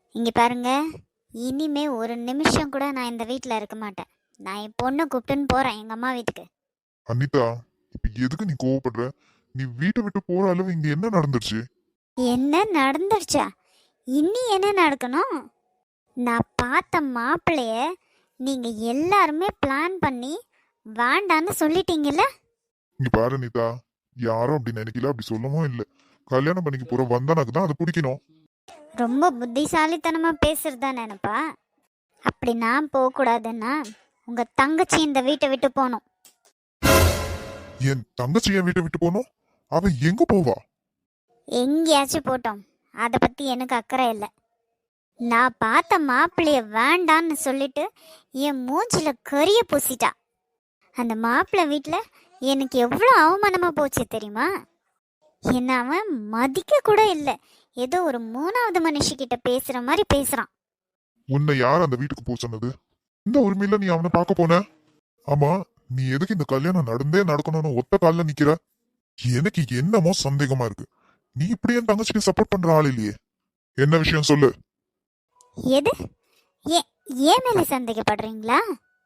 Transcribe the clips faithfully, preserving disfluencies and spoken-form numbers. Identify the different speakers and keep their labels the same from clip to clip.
Speaker 1: இங்க பாருங்க, இனிமே ஒரு நிமிஷம் கூட நான் இந்த வீட்டில் இருக்க மாட்டேன். நான் என் பொண்ணை கூப்பிட்டுன்னு போறேன் எங்க அம்மா வீட்டுக்கு.
Speaker 2: அனிதா, இப்ப எதுக்கு நீ கோவப்படுற? நீ வீட்டை விட்டு போற அளவு இங்க என்ன நடந்துருச்சு?
Speaker 1: என்ன நடந்துருச்சா? இனி என்ன நடக்கணும்? நான் பார்த்த மாப்பிள்ளைய நீங்க எல்லாருமே பிளான் பண்ணி வேண்டான்னு சொல்லிட்டீங்கல்ல.
Speaker 2: இங்க பாரு அனிதா, யாரும் அப்படி நினைக்கல, அப்படி சொல்லவும் இல்ல. கல்யாணம் பண்ணிக்க போற வந்தனக்கு தான் அது பிடிக்கணும்.
Speaker 1: ரொம்ப புத்திசாலித்தனமா பேசுறதா நினைப்பா. அப்படி நான் போகக்கூடாதுன்னா உங்க தங்கச்சி இந்த வீட்டை விட்டு போகணும்.
Speaker 2: என் தங்கச்சி என் வீட்டை விட்டு போனோம். அவ எங்க போவா?
Speaker 1: எங்கேயாச்சும் போட்டோம், அதை பத்தி எனக்கு அக்கறை இல்லை. நான் பார்த்த மாப்பிள்ளைய வேண்டான்னு சொல்லிட்டு என் மூஞ்சில கரிய பூசிட்டா. அந்த மாப்பிள்ளை வீட்டில் எனக்கு எவ்வளோ அவமானமா போச்சு தெரியுமா? என்ன அவன் மதிக்க கூட இல்லை. ஏதோ ஒரு மூணாவது மனுஷிக்கிட்ட பேசுற மாதிரி பேசுறான்.
Speaker 2: உன்னை யார் அந்த வீட்டுக்கு போ சொன்னது? இந்த உரிமையில நீ அவனை பார்க்க போன? ஆமா, நீ எதுக்கு இந்த கல்யாணம் நடந்தே நடக்கணும்னு ஒத்த கால்ல நிக்கிற? எனக்கு என்னமோ சந்தேகமா இருக்கு. நீ இப்படி என் தங்கச்சிக்கு சப்போர்ட் பண்ற ஆள் இல்லையே. என்ன விஷயம் சொல்லு.
Speaker 1: எது? ஏன் ஏன் மேலே சந்தேகப்படுறீங்களா?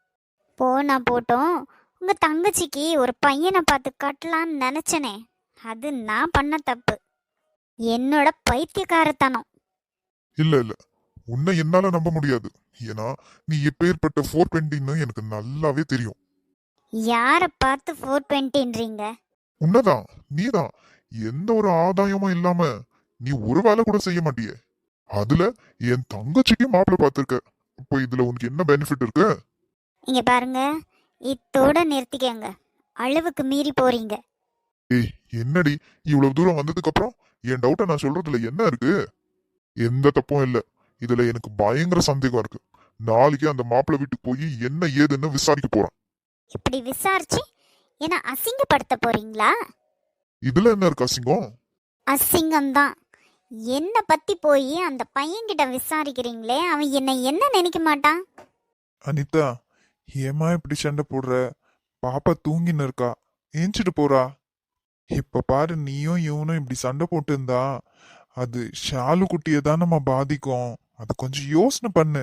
Speaker 1: போனா போட்டோம், உங்க தங்கச்சிக்கு ஒரு பையனை பார்த்து கட்டலான்னு நினைச்சனே, அது நான் பண்ண தப்பு. என்னோட பைத்தியக்காரத்தனம்.
Speaker 2: இல்ல இல்ல, உன்னை என்னால நம்ப முடியாது. ஏன்னா நீ எப்பேற்பட்ட ஃபோர் டுவெண்ட்டின்னு எனக்கு நல்லாவே தெரியும்.
Speaker 1: யாரை பார்த்து ஃபோர் டுவெண்ட்டின்றீங்க?
Speaker 2: உன்னதான், நீதான். எந்த ஒரு ஆதாயமும் இல்லாம நீ ஒரு வேலை கூட செய்ய மாட்டியே. அதுல என் தங்கச்சிக்கு மாப்பிள்ளை பார்த்திருக்க. இப்போ இதுல உனக்கு என்ன பெனிஃபிட் இருக்கு?
Speaker 1: இங்க பாருங்க, இத்தோட நிறுத்திக்கங்க. அளவுக்கு மீறி போறீங்க.
Speaker 2: ஏய், என்னடி இவ்வளவு தூரம் வந்ததுக்கு அப்புறம் என் டவுட்டை நான் சொல்றதுல என்ன இருக்கு? எந்த தப்பும் இல்ல. இதுல எனக்கு பயங்கர சந்தேகம் இருக்கு. நாளைக்கு அந்த மாப்பிள்ளை வீட்டுக்கு போய் என்ன ஏதுன்னு விசாரிக்க போறேன்.
Speaker 1: இப்படி விசாரிச்சு என்ன அசிங்கப்படுத்த போறீங்களா?
Speaker 2: இதுல என்ன இருக்கு அசிங்கம்?
Speaker 1: அசிங்கம்தான். என்ன பத்தி போய் அந்த பையன்கிட்ட விசாரிக்கிறீங்களே, அவன் என்ன என்ன நினைக்க மாட்டான்?
Speaker 3: அனிதா, ஏமா இப்படி சண்டை போடுற? பாப்பா தூங்கின்னு இருக்கா, ஏஞ்சிட்டு போறா. இப்ப பாரு, நீயும் இவனும் இப்படி சண்டை போட்டு இருந்தா அது ஷாலு குட்டியை தான் நம்ம பாதிக்கும். அது கொஞ்சம் யோசனை பண்ணு.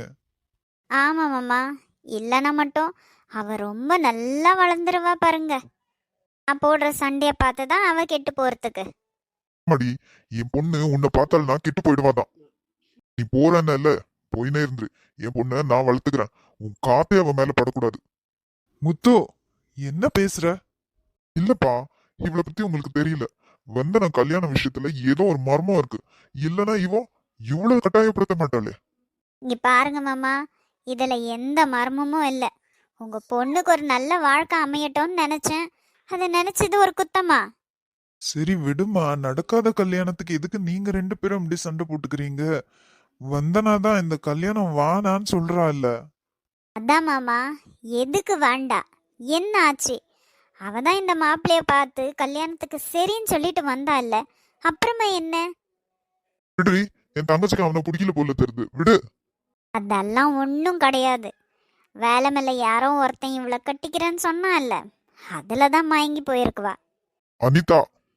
Speaker 1: ஆமா மாமா, இல்லைன்னா மட்டும் அவ ரொம்ப நல்லா வளர்ந்துருவா பாருங்க. நான் போடுற சண்டைய பார்த்துதான் அவ கெட்டு போறதுக்கு.
Speaker 2: மடி, என் பொண்ணு உன்னை பார்த்தாலும் நான் கெட்டு போயிடுவாதான். நீ போறன்னு இல்ல, போயினே இருந்து என் பொண்ணை நான் வளர்த்துக்கிறேன். உன் காத்தே அவன் மேல படக்கூடாது.
Speaker 3: முத்து, என்ன பேசுற?
Speaker 2: இல்லப்பா, இவளை பத்தி உங்களுக்கு தெரியல. வந்த நான் கல்யாண விஷயத்துல ஏதோ ஒரு மர்மம் இருக்கு. இல்லனா இவன் இவ்வளவு கட்டாயப்படுத்த மாட்டாளே.
Speaker 1: இங்க பாருங்க மாமா, இதுல எந்த மர்மமும் இல்லை. உங்க பொண்ணுக்கு ஒரு நல்ல வாழ்க்கை அமையட்டும்னு நினைச்சேன். அதை நினைச்சது ஒரு குத்தமா?
Speaker 3: சரி விடுமா, நடக்காத கல்யாணத்துக்கு எதுக்கு நீங்க ரெண்டு பேரும் இப்படி சண்டை போட்டுக்கிறீங்க? வந்தனா தான் இந்த கல்யாணம் வானான்னு சொல்றா இல்ல.
Speaker 1: அதான் மாமா, எதுக்கு வேண்டா? என்ன ஆச்சு? அவ தான் இந்த மாப்பிள்ளைய பார்த்து கல்யாணத்துக்கு சரின்னு சொல்லிட்டு வந்தா இல்ல, அப்புறமா என்ன?
Speaker 2: விடுடி, என் தங்கச்சிக்கு அவனை பிடிக்கல போல தெரியுது, விடு.
Speaker 1: அதெல்லாம் ஒன்றும் கிடையாது. வேலை மேல யாரோ ஒருத்தன் இவ்வளோ கட்டிக்கிறேன்னு சொன்னா இல்ல, அதுல தான் மயங்கி போயிருக்குவா.
Speaker 2: அனிதா,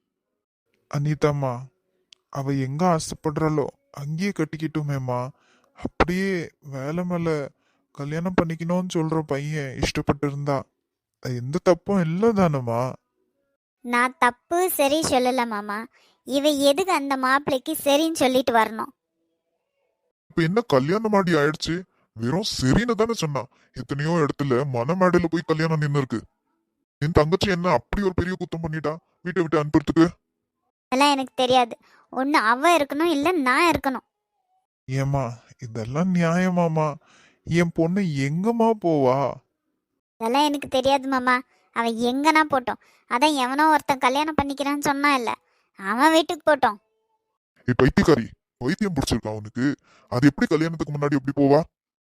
Speaker 3: அனிதாம்மா, அவ எங்க ஆசைப்படுறாளோ அங்கேயே கட்டிக்கிட்டோமேம்மா. அப்படியே வேலை மேல கல்யாணம் பண்ணிக்கணும்னு சொல்ற பையன் இஷ்டப்பட்டு இருந்தா அது எந்த தப்பும் இல்லை தானம்மா.
Speaker 1: நான் தப்பு சரி சொல்லல மாமா. இவ எதுக்கு அந்த மாப்பிள்ளைக்கு சரின்னு சொல்லிட்டு வரணும்?
Speaker 2: இப்ப என்ன கல்யாணம் ஆடி ஆயிடுச்சு? வெறும் சரின்னு தானே சொன்னா. எத்தனையோ இடத்துல மனமேடையில போய் கல்யாணம் நின்னு இருக்கு. என் தங்கச்சி என்ன அப்படி ஒரு பெரிய குத்தம் பண்ணிட்டா வீட்டை விட்டு அனுப்புறதுக்கு?
Speaker 1: அதெல்லாம் எனக்கு தெரியாது. ஒன்று அவ இருக்கணும், இல்லை நான் இருக்கணும்.
Speaker 3: ஏம்மா, இதெல்லாம் நியாயமாமா? என் பொண்ணு எங்கம்மா போவா?
Speaker 1: அதெல்லாம் எனக்கு தெரியாது மாமா. அவ எங்கன்னா போட்டோம். அதான் எவனோ ஒருத்தன் கல்யாணம் பண்ணிக்கிறான்னு சொன்னா இல்ல, அவன் வீட்டுக்கு போட்டோம்.
Speaker 2: ஏ பைத்தியக்காரி, பைத்தியம் பிடிச்சிருக்கா அவனுக்கு? அது எப்படி கல்யாணத்துக்கு முன்னாடி எப்படி போவா?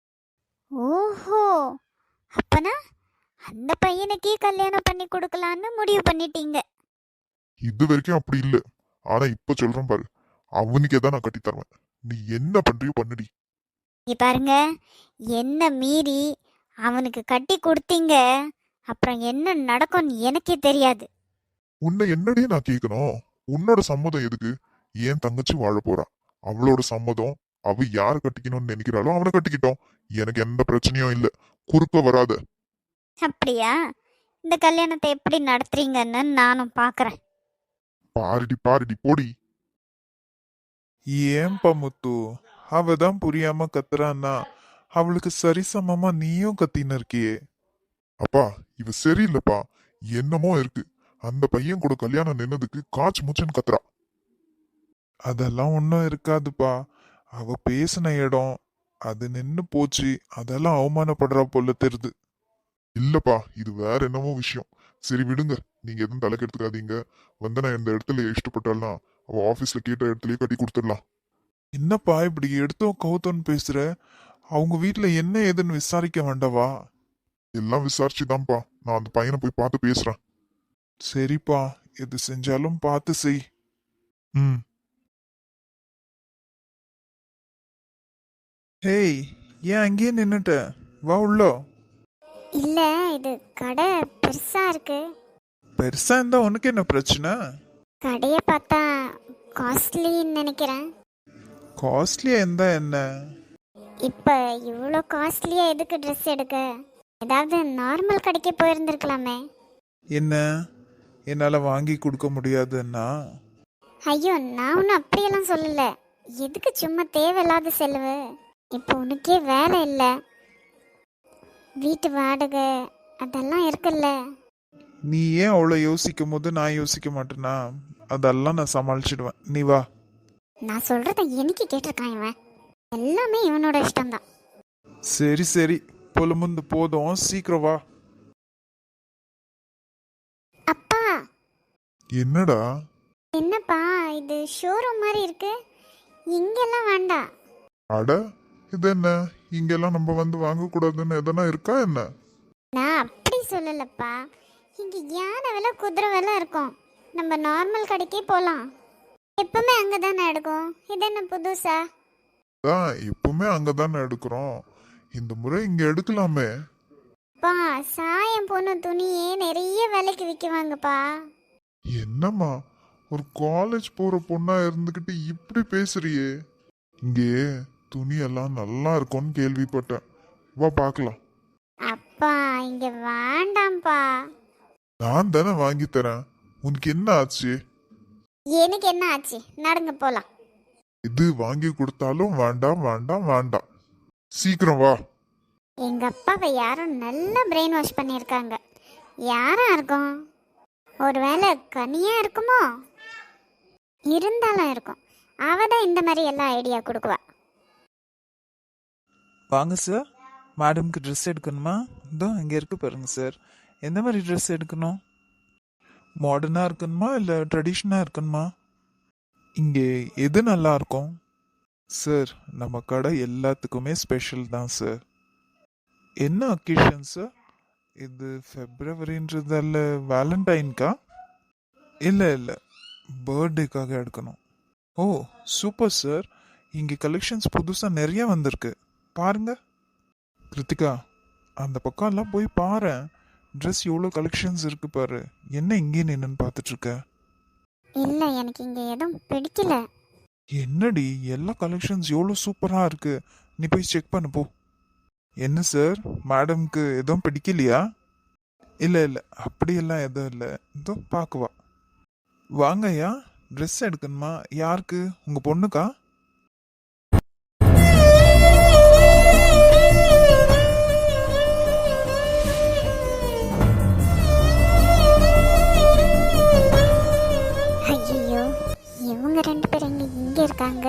Speaker 1: ஓஹோ, அப்பனா அந்த பையனுக்கே கல்யாணம் பண்ணி கொடுக்கலான்னு முடிவு பண்ணிட்டீங்க?
Speaker 2: இது வரைக்கும் அப்படி இல்ல. ஆனா இப்ப சொல்றேன் பாரு, அவனுக்கே தான் நான் கட்டி தருவேன். நீ என்ன பண்றியோ பண்ணுடி.
Speaker 1: இங்க பாருங்க, என்ன மீறி அவனுக்கு கட்டி கொடுத்தீங்க, அப்புறம் என்ன நடக்கும்னு எனக்கே தெரியாது.
Speaker 2: உன்னை என்னடியே நான் கேட்கணும்? உன்னோட சம்மதம் எதுக்கு? ஏன் தங்கச்சி வாழ போறா, அவளோட சம்மதம் அவ யார கட்டிக்கணும்னு நினைக்கிறாளோ அவனை கட்டிக்கிட்டோம். எனக்கு எந்த பிரச்சனையும் இல்ல. குறுக்க வராத.
Speaker 1: அப்படியா? இந்த கல்யாணத்தை எப்படி நடத்துறீங்கன்னு நானும் பார்க்கறேன்.
Speaker 2: பாருடி பாருடி போடி.
Speaker 3: ஏன்பா முத்து, அவ தான் புரியாம கத்துறான்னா அவளுக்கு சரிசமமா நீயும் கத்தின்னு இருக்கியே.
Speaker 2: அப்பா இவ சரியில்லைப்பா. என்னமோ இருக்கு. அந்த பையன் கூட கல்யாணம் நின்னதுக்கு காச்சு மூச்சுன்னு கத்துறா.
Speaker 3: அதெல்லாம் ஒன்றும் இருக்காதுப்பா. அவ பேசின இடம் அது நின்னு போச்சு. அதெல்லாம் அவமானப்படுறா போல தெரியுது.
Speaker 2: இல்லப்பா இது வேற என்னமோ விஷயம். சரி விடுங்க. நீங்க எதுவும் தலைக்கு எடுத்துக்காதீங்க. வந்து நான் இந்த இடத்துல இஷ்டப்பட்டாலாம் அவ ஆபீஸ்ல கேட்ட இடத்துலயே கட்டி கொடுத்துடலாம்.
Speaker 3: என்னப்பா இப்படி எடுத்தோம் கவுத்தோன்னு பேசுற? அவங்க வீட்ல என்ன ஏதுன்னு விசாரிக்க வேண்டவா?
Speaker 2: எல்லாம் விசாரிச்சுதான்ப்பா நான் அந்த பையனை போய் பார்த்து பேசுறேன்.
Speaker 3: சரிப்பா, எது செஞ்சாலும் பார்த்து செய்.
Speaker 2: ம்.
Speaker 3: ஹேய், ஏன் அங்கேயே நின்னுட்ட? வா உள்ள.
Speaker 1: இல்ல, இது கடை பெருசா இருக்கு.
Speaker 3: பெருசா இருந்தா உனக்கு என்ன பிரச்சனை?
Speaker 1: கடையை பார்த்தா காஸ்ட்லின்னு நினைக்கிறேன்.
Speaker 3: காஸ்ட்லியா இருந்தா என்ன?
Speaker 1: இப்ப இவ்வளோ காஸ்ட்லியா எதுக்கு ட்ரெஸ் எடுக்க? ஏதாவது நார்மல் கடைக்கு போயிருந்திருக்கலாமே.
Speaker 3: என்ன என்னால வாங்கி கொடுக்க முடியாதுன்னா?
Speaker 1: ஐயோ, நான் ஒன்றும் அப்படியெல்லாம் சொல்லல. எதுக்கு சும்மா தேவையில்லாத செலவு? இப்போ உனக்கே வேலை இல்லை, வீட்டு வாடகை அதெல்லாம் இருக்குல்ல.
Speaker 3: நீ ஏன் அவ்வளோ யோசிக்கும் போது நான் யோசிக்க மாட்டேனா? அதெல்லாம் நான் சமாளிச்சிடுவேன். நீ வா.
Speaker 1: நான் சொல்றத எனக்கு கேட்டிருக்கான் இவன். எல்லாமே இவனோட இஷ்டம்தான்.
Speaker 3: சரி சரி, பொழுமுந்து போதும், சீக்கிரம் வா.
Speaker 1: அப்பா,
Speaker 3: என்னடா?
Speaker 1: என்னப்பா இது ஷோரூம் மாதிரி இருக்கு? இங்கெல்லாம் வேண்டாம்.
Speaker 3: அட, இது என்ன இங்கெல்லாம் நம்ம வந்து வாங்கக்கூடாதுன்னு எதனா இருக்கா என்ன?
Speaker 1: நான் அப்படி சொல்லலப்பா. இங்க யானை விலை குதிரை விலை இருக்கும். நம்ம நார்மல் கடைக்கே போகலாம். எப்பவுமே அங்கே தானே எடுக்கும். இது என்ன புதுசா?
Speaker 3: தான் எப்பவுமே அங்கதானே எடுக்கிறோம். இந்த முறை இங்க எடுக்கலாமே.
Speaker 1: பா, சாயம் போன துணியே நிறைய விலைக்கு விற்குவாங்கப்பா.
Speaker 3: என்னம்மா, ஒரு காலேஜ் போற பொண்ணா இருந்துகிட்டு இப்படி பேசுறியே? இங்கே துணியெல்லாம் நல்லா இருக்கும்னு கேள்விப்பட்டேன். வா பார்க்கலாம்.
Speaker 1: அப்பா, இங்க வேண்டாம்ப்பா.
Speaker 3: நான் தானே வாங்கி தரேன். உனக்கு என்ன ஆச்சு?
Speaker 1: எனக்கு என்ன ஆச்சு? நடங்க போலாம்.
Speaker 3: இது வாங்கி கொடுத்தாலும் வேண்டாம் வேண்டாம் வேண்டாம். சீக்கிரம் வா.
Speaker 1: எங்க அப்பாவை யாரும் நல்லா பிரெயின் வாஷ் பண்ணியிருக்காங்க. யாரா இருக்கும்? ஒருவேளை கனியா இருக்குமோ? இருந்தாலும் இருக்கும். அவ தான் இந்த மாதிரி எல்லா ஐடியா கொடுக்குவா.
Speaker 4: வாங்க சார், மேடம்க்கு ட்ரெஸ் எடுக்கணுமா? இதோ இங்கே இருக்கு பாருங்க சார். எந்த மாதிரி ட்ரெஸ் எடுக்கணும்? மாடர்னாக இருக்கணுமா இல்லை ட்ரெடிஷ்னலாக இருக்கணுமா?
Speaker 3: இங்கே எது நல்லா இருக்கும்? சார், நம்ம கடை எல்லாத்துக்குமே ஸ்பெஷல் தான் சார். என்ன அக்கேஷன் சார்? இது ஃபெப்ரவரின்றதால வேலண்டைன்கா? இல்லை இல்லை, பர்த்டேக்காக எடுக்கணும். ஓ சூப்பர் சார், இங்கே கலெக்ஷன்ஸ் புதுசாக நிறைய வந்திருக்கு பாருங்க. கிருத்திகா, அந்த பக்கம்லாம் போய் பாரு. ட்ரெஸ் எவ்வளோ கலெக்ஷன்ஸ் இருக்கு பாரு. என்ன இங்கே நின்னுன்னு பார்த்துட்டு இருக்க?
Speaker 1: இல்ல, எனக்கு இங்க எதுவும் பிடிக்கல.
Speaker 3: என்னடி, எல்லா கலெக்ஷன்ஸ் எவ்வளோ சூப்பராக இருக்கு. நீ போய் செக் பண்ணு போ. என்ன சார், மேடம்க்கு எதுவும் பிடிக்கலையா? இல்லை இல்லை, அப்படியெல்லாம் எதுவும் இல்லை. இதோ பார்க்குவா. வாங்கய்யா, ட்ரெஸ் எடுக்கணுமா? யாருக்கு? உங்கள் பொண்ணுக்கா?
Speaker 1: ஐயோ, இவங்க ரெண்டு பேரும் இங்க இங்க இருக்காங்க.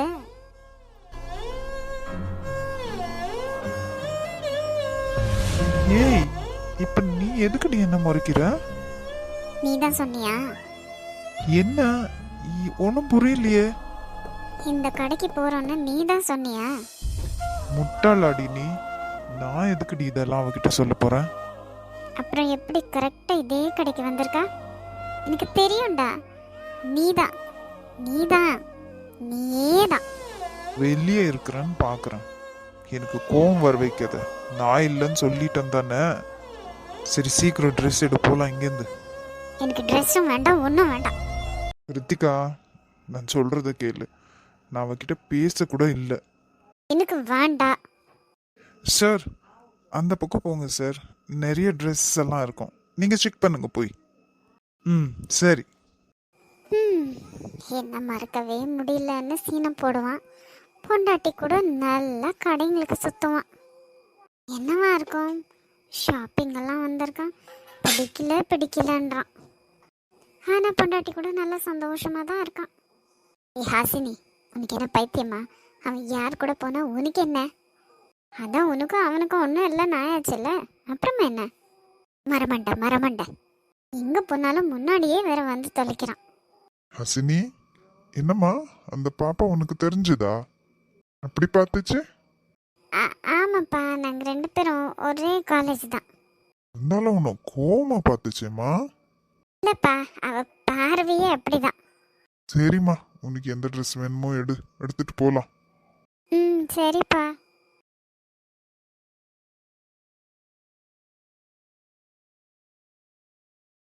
Speaker 3: ஏய், இப்போ நீ எதுக்குடி என்ன முறைக்கிற?
Speaker 1: நீ தான் சொன்னியா?
Speaker 3: என்ன ஒன்றும் புரியலையே.
Speaker 1: இந்த கடைக்கு போறோன்னு நீ தான் சொன்னியா?
Speaker 3: முட்டாளாடி நீ. நான் எதுக்குடி இதெல்லாம் அவகிட்ட சொல்ல போறேன்?
Speaker 1: அப்புறம் எப்படி கரெக்டா இதே கடைக்கு வந்திருக்கா? எனக்கு தெரியும்டா. நீதான் நீதான் நீதான்.
Speaker 3: வெளியே இருக்கிறேன்னு பார்க்குறேன். எனக்கு கோவம் வர வைக்காத. நான் இல்லைன்னு சொல்லிட்டேன் தானே. சரி, சீக்கிரம் ட்ரெஸ் எடு, போகலாம் இங்கேருந்து.
Speaker 1: எனக்கு ட்ரெஸ்ஸும் வேண்டாம், ஒன்றும் வேண்டாம்.
Speaker 3: ரித்திகா, நான் சொல்கிறத கேளு. நான் அவகிட்ட பேசக்கூட இல்லை.
Speaker 1: எனக்கு வேண்டாம்.
Speaker 3: சார் அந்த பக்கம் போங்க சார், நிறைய ட்ரெஸ் எல்லாம் இருக்கும், நீங்க செக் பண்ணுங்க போய். ம் சரி.
Speaker 1: ம், என்ன மறக்கவே முடியலன்னு சீனம் போடுவான். பொண்டாட்டி கூட நல்லா கடைங்களுக்கு சுற்றுவான். என்னவா இருக்கும்? ஷாப்பிங் எல்லாம் வந்திருக்கான், பிடிக்கல பிடிக்கலன்றான். ஆனால் பொண்டாட்டி கூட நல்லா சந்தோஷமாக தான் இருக்கான். ஏ ஹாசினி, உனக்கு என்ன பைத்தியமா? அவன் யார் கூட போனா உனக்கு என்ன? அதான் உனக்கும் அவனுக்கும் ஒன்றும் இல்லை நாயாச்சுல்ல, அப்புறமா என்ன? மரமண்ட மரமண்ட எங்கே போனாலும் முன்னாடியே வேற வந்து தொலைக்கிறான்.
Speaker 3: ஹசினி, என்னம்மா அந்த பாப்பா உனக்கு தெரிஞ்சுதா? அப்படி பார்த்துச்சு?
Speaker 1: ஆ- ஆமாப்பா, நாங்கள் ரெண்டு பேரும் ஒரே காலேஜ் தான்.
Speaker 3: இருந்தாலும் உன்னை கோவமா பார்த்துச்சேம்மா.
Speaker 1: இல்லைப்பா, அவ பார்வையே அப்படிதான்.
Speaker 3: சரிம்மா, உனக்கு எந்த ட்ரெஸ் வேணுமோ எடு, எடுத்துட்டு போலாம்.
Speaker 1: ம் சரிப்பா.